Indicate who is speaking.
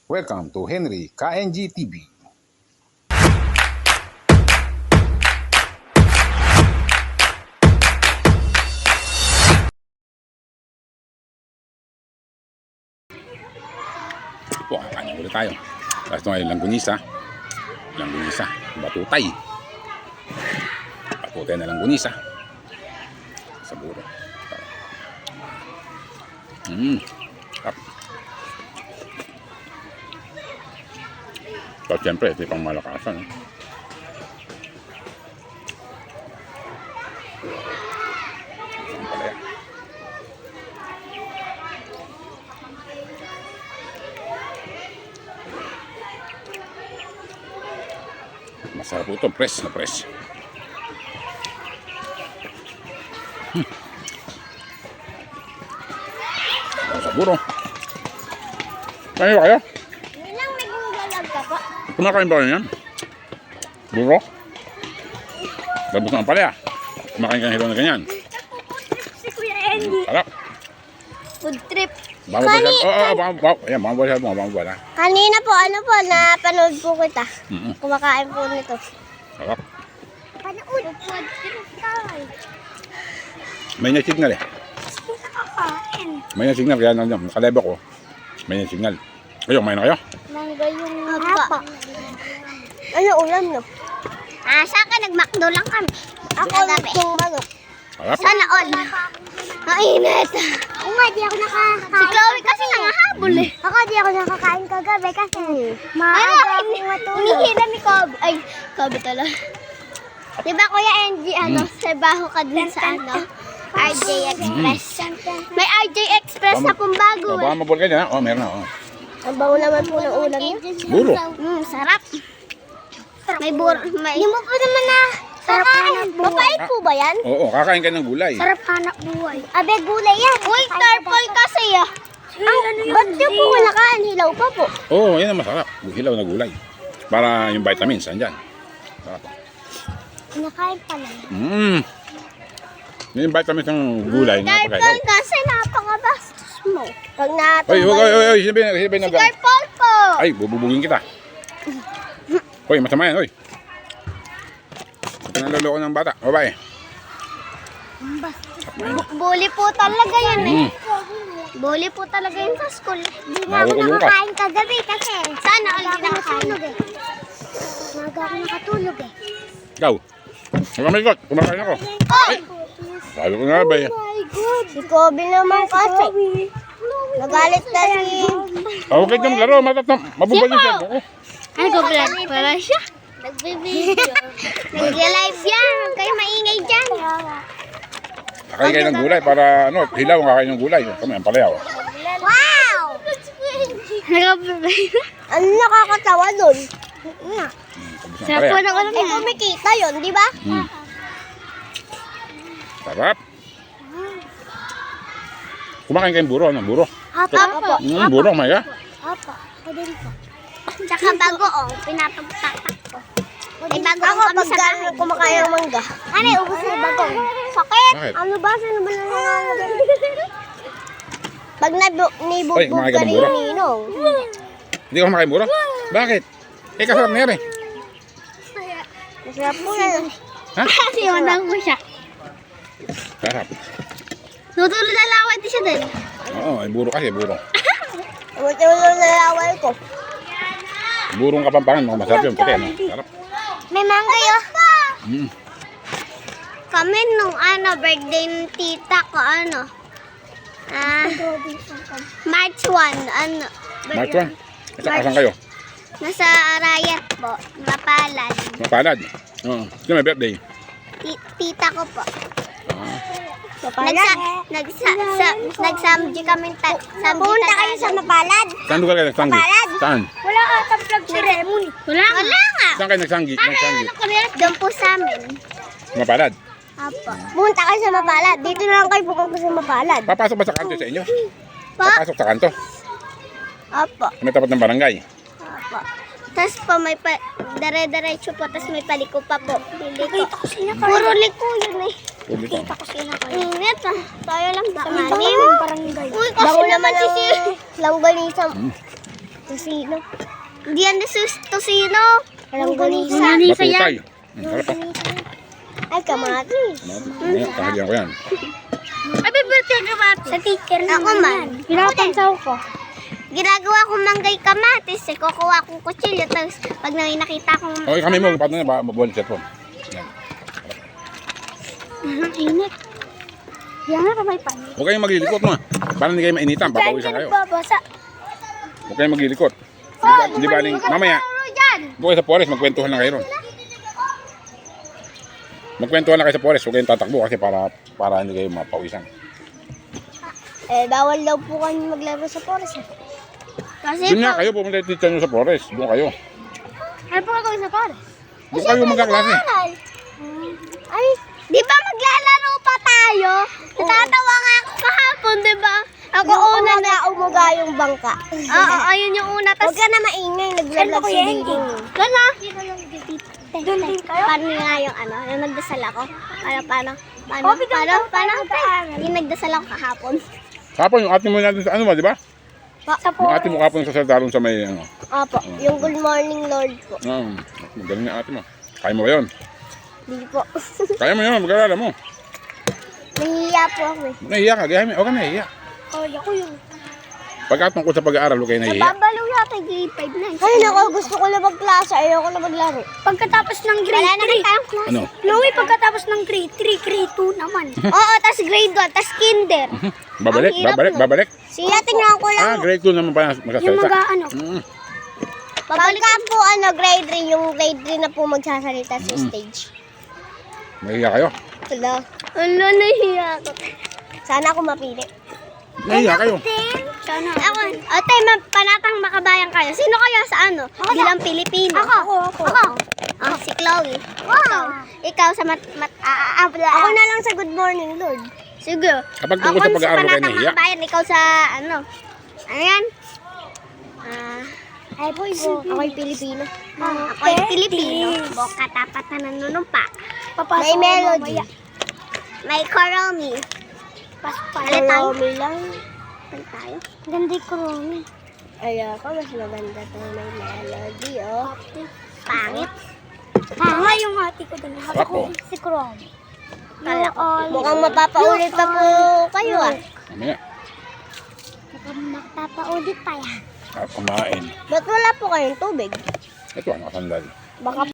Speaker 1: Welcome to Henry KNG TV. Po, kanya ulit tayo. Tapos ito ay langgunisa. Langgunisa, batutay. Batutay na langgunisa. Sa buro. Tap. So, siyempre, ito yung pang malakasan. Ang palaya. Masarap po ito, press na press. Sa buro. Kayo kayo?
Speaker 2: Ilang may gunggalag ka po?
Speaker 1: Kumakain ba kayo yan? Buro? Labos na ang palaya. Kumakain ka ng hilo na ganyan.
Speaker 2: Si Kuya Andy.
Speaker 1: Harap.
Speaker 2: Food trip.
Speaker 1: Baka ba siya? Ayan, baka ba siya mo? Baka ba na?
Speaker 2: Kanina po, napanood po kita. Kumakain po nito.
Speaker 1: Harap.
Speaker 2: Panood. Food trip tayo.
Speaker 1: May niya signal eh.
Speaker 2: Nakakain.
Speaker 1: May niya signal kaya nandiyan. Nakalebo ko. May niya signal. Kayo, may na kayo?
Speaker 2: Mangga yung hapa. Ano ulam no? Sa akin, nag-McDo lang kami. Ako yung manok.
Speaker 1: Harap.
Speaker 2: Sana all. Mainit. Oo nga, di ako nakakain. Si Chloe kasi nangahabol eh. Ako di ako nakakain kagabi kasi maaga akong matulog. Hinihila ni Kobe. Ay, Kobe tala. Diba Kuya Angie, trabaho ka dun sa RJ Express. May RJ Express na pong bago
Speaker 1: Baka mabul ka dyan ha? Meron na.
Speaker 2: Ang bango naman po ng ulam niya.
Speaker 1: Buro.
Speaker 2: Sarap. May buro. Hindi mo po naman na sarap hanap buhay. Mapait po ba yan?
Speaker 1: Oo, kakain ka ng gulay.
Speaker 2: Sarap hanap buhay. Abe, gulay yan. Uy, tarpol kasi ah. Ba't niyo po wala kaan? Hilaw pa po.
Speaker 1: Oo, yan ang masarap. Hilaw na gulay. Para yung vitamins, andyan. Sarap.
Speaker 2: Nakain pa lang.
Speaker 1: Yung vitamins ng gulay.
Speaker 2: Tarpol kasi napakabastos mo. Pag
Speaker 1: Oy,
Speaker 2: natumbay.
Speaker 1: sinabi na
Speaker 2: Si tarpol po.
Speaker 1: Ay, bububugin kita. Hoy, masama yan, hoy. Ito na lolo ko ng bata. Babae.
Speaker 2: Bully po talaga yan eh. Bully po talaga yun sa school. Hindi
Speaker 1: na ako nakakain
Speaker 2: kagabi kasi. Sana all din nakakain. Maga ako nakatulog eh.
Speaker 1: Ikaw. Magamikot. Kumakain ako.
Speaker 2: Oh!
Speaker 1: Sabi ko nga ba eh.
Speaker 2: Si Kobe naman kasi. Nagalit na si...
Speaker 1: Okay ka maglaro. Mabubal yung siya.
Speaker 2: Ay, go-vlog pala siya. Nagbe-video. Nag-live yan. Huwag kayo maingay dyan.
Speaker 1: Kakain kayo ng gulay para hilaw ang kakain ng gulay. Kami, ang palayaw.
Speaker 2: Wow! Ano nakakatawa dun?
Speaker 1: Sarap po
Speaker 2: ng alam. Eh, kumikita yun, di ba?
Speaker 1: Sarap. Kumakain kayong buro. Anong buro?
Speaker 2: Apo.
Speaker 1: Buro, may ka?
Speaker 2: Apo. Ako din po. Tsaka bagoong, pinapagtatak ko. May bagoong kami sa bahay. Ako kumakain ng mangga. Ano, ubos na bagoong. Sakit!
Speaker 1: Bakit?
Speaker 2: Ano ba? Saan ba nangangagal? Pag nibubog
Speaker 1: Oy, kumakain
Speaker 2: ka
Speaker 1: ka ng
Speaker 2: rin
Speaker 1: buro?
Speaker 2: ninong.
Speaker 1: Hindi ka kumakain buro? Bakit? Eh, kasarap na yan eh.
Speaker 2: Masarap po yan.
Speaker 1: Ha?
Speaker 2: Siwanang ko siya.
Speaker 1: Sarap.
Speaker 2: Tutulog na laway din siya din.
Speaker 1: Oo, ay buro kasi, buro.
Speaker 2: Tutulog na laway ko.
Speaker 1: Burong Kapampangan, mga masarap yun. Puti, sarap.
Speaker 2: May mangga yun. Kami nung birthday ng tita ko, March 1,
Speaker 1: March 1. Saan kayo?
Speaker 2: Nasa Arayat po, Mapalad.
Speaker 1: Mapalad. Oo. Sino may birthday?
Speaker 2: Tita ko po. Nagsamji kami. Punta kayo sa Mapalad?
Speaker 1: Saan lugar kayo nagsanggi?
Speaker 2: Mapalad?
Speaker 1: Saan?
Speaker 2: Wala ka vlog ceremony. Wala nga.
Speaker 1: Saan kayo nagsanggi?
Speaker 2: Doon po sa amin.
Speaker 1: Mapalad.
Speaker 2: Apo. Punta kayo sa Mapalad. Dito na lang kayo pupunta sa Mapalad.
Speaker 1: Papasok ba sa kanto sa inyo?
Speaker 2: Pa?
Speaker 1: Papasok sa kanto?
Speaker 2: Apo.
Speaker 1: May tapat ng barangay.
Speaker 2: Apo. Tapos po may dire-diretso po, tapos may paliko pa po. Nakita ko sila. Puro liko yun eh.
Speaker 1: Uli ko.
Speaker 2: Init ah. Tayo lang sa malim. Uy, kasi naman si langganisang. Tosino. Hindi yan tosino. Langganisa.
Speaker 1: Matutay. Sarap pa.
Speaker 2: Ay, kamatis.
Speaker 1: Kahalian ko yan.
Speaker 2: Abi, birthday kamatis. Sa teacher naman. Ako man. Pinapansaw ko. Ginagawa ko manggay kamatis. Eh, kukuha kong kutsilyo. Tapos, pag nakita kong...
Speaker 1: Okay, kami mo. Paano na ba? Mabuhalit siya po. Yan.
Speaker 2: Init. Yan nga kamay pa.
Speaker 1: Huwag kayong maglilikot mo. Para hindi kayo mainitan. Papawisan kayo.
Speaker 2: Nagbabasa.
Speaker 1: Huwag kayong maglilikot. Hindi ba mamaya, doon kayo sa forest, magkwentuhan lang kayo ron. Magkwentuhan lang kayo sa forest, huwag kayong tatakbo kasi para hindi kayo mapawisan.
Speaker 2: Eh, bawal daw po kami maglaro sa forest. Kasi
Speaker 1: Doon nga kayo, pumunta yung teacher nyo sa forest. Doon kayo.
Speaker 2: Ano po gagawin sa forest?
Speaker 1: Doon kayo magkaklase.
Speaker 2: Ay, di ba maglalaro pa tayo? Natatawa nga ako kahapon, di ba? Ako una na umuga yung bangka. Oo, ayun yung una. Huwag ka na maingay, naglalag si Ding. Gana? Doon din kayo? Paano nga yung ano, yung nagdasal ako? Paano? Yung nagdasal ako kahapon.
Speaker 1: Kapon, yung ate mo natin sa ano ba, di ba?
Speaker 2: Sa
Speaker 1: Yung ate mo kapon sa saldaron sa may ano.
Speaker 2: Opo, yung good morning Lord po.
Speaker 1: Magaling na ate mo. Kaya mo ba yun?
Speaker 2: Hindi po.
Speaker 1: Kaya mo yun, mag-alala mo.
Speaker 2: Nahihiya po ako eh.
Speaker 1: Nahiya ka, gaya mo. Huwag ka nahiya.
Speaker 2: Kaya ko yun.
Speaker 1: Pagkatungkol sa pag-aaral, huwag kayo nahiya.
Speaker 2: Nababalaw yata yung grade 5 na. Ay, naku, gusto ko na magklase. Ayoko na maglaro. Pagkatapos ng grade 3. Wala na tayong klase.
Speaker 1: Ano?
Speaker 2: Louie, pagkatapos ng grade 3, grade 2 naman. Oo, tas grade 1, tas kinder.
Speaker 1: Babalik.
Speaker 2: Siya, tingnan ko lang.
Speaker 1: Grade 2 naman pa magsasalita.
Speaker 2: Yung mag-ano.
Speaker 1: Mm.
Speaker 2: Pagka po, grade 3, yung grade 3 na po magsasalita sa stage.
Speaker 1: Nahiya kayo?
Speaker 2: Wala. Wala, nahiya ako. Sana ako mapili.
Speaker 1: Nahiya kayo?
Speaker 2: Sana ako. Ate, panatang makabayan kayo. Sino kayo sa ano? Bilang Pilipino. Ako. Si Chloe. Wow. Ikaw sa ako na lang sa Good Morning Lord. Sige.
Speaker 1: Kapag tungkol sa pag-aaral, kayo nahiya?
Speaker 2: Makabayan, ikaw sa ano? Ano yan? Ay po, ako'y Pilipino. Ako'y Pilipino. Boka tapat na nanunumpa. May melody. May koromi. Koromi lang. Tayo. Ganda yung koromi. Ay, ako mas maganda itong may melody, oh. Pangit. Yung ate ko doon.
Speaker 1: Ako.
Speaker 2: Si koromi. Mukhang mapapaulit pa po kayo, ah.
Speaker 1: Mamaya.
Speaker 2: Mukhang mapapaulit pa yan.
Speaker 1: Kumain.
Speaker 2: Ba't wala po kayong tubig?
Speaker 1: Ito ang nakasandal.
Speaker 2: Baka